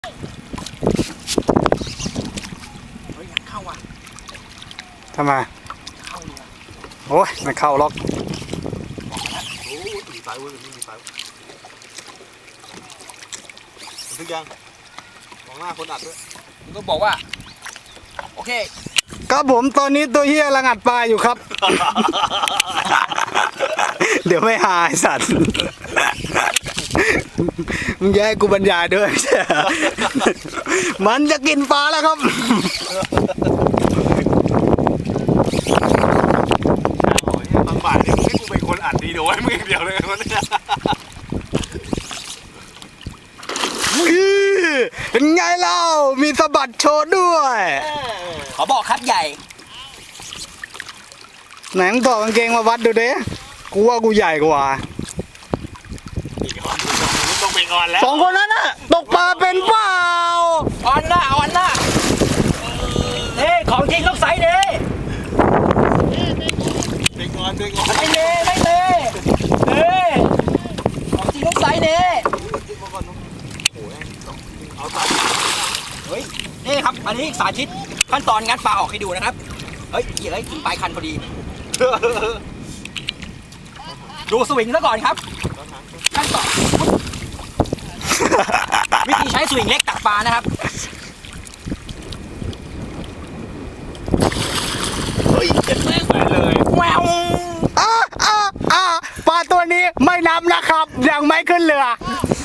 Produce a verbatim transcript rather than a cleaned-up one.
เฮ้ยอยากเข้าว่ะทำไมเข้าเลยโอ้ยไม่เข้าล็อกโอ้ยมีสายเว้ยมีสายถึงยังมองหน้าคนอัดด้วยมึงก็บอกว่าโอเคครับผมตอนนี้ตัวเฮียกำลังอัดปลาอยู่ครับ เดี๋ยวไม่หายสัตว์มึงแย่กูบรรยายด้วย มันจะกินปลาแล้วครับบางบ่ายนี่ให้กูเป็นคนอัดดีโดยมึงเดียวเลยวันนี้เป็นไงเล่ามีสะบัดโชว์ด้วยขอบอกครับใหญ่ไหนมึงถอดกางเกงมาวัดดูเด้กูว่ากูใหญ่กว่าต้องเป็นออนแล้วสองคนนั้นน่ะตกปลาเป็นเปล่าออนหน้าออนหน้าเฮ้ของจริงต้องใส่เด้เป็นออนเป็นออนไม่เน่ไม่เน่เฮ้ของจริงต้องใส่เด้เอาตัดเฮ้ยนี่ครับอันนี้สาธิตขั้นตอนงัดปลาออกให้ดูนะครับเฮ้ยเฮ้ยถึงปลายคันพอดีดูสวิงซะก่อนครับขั้นตอนวิธีใช้สวิงเล็กตักปลานะครับเฮ้ยเจ็บแม่งไปเลยแววอ่าอ่าอ่าปลาตัวนี้ไม่นับนะครับยังไม่ขึ้นเรือ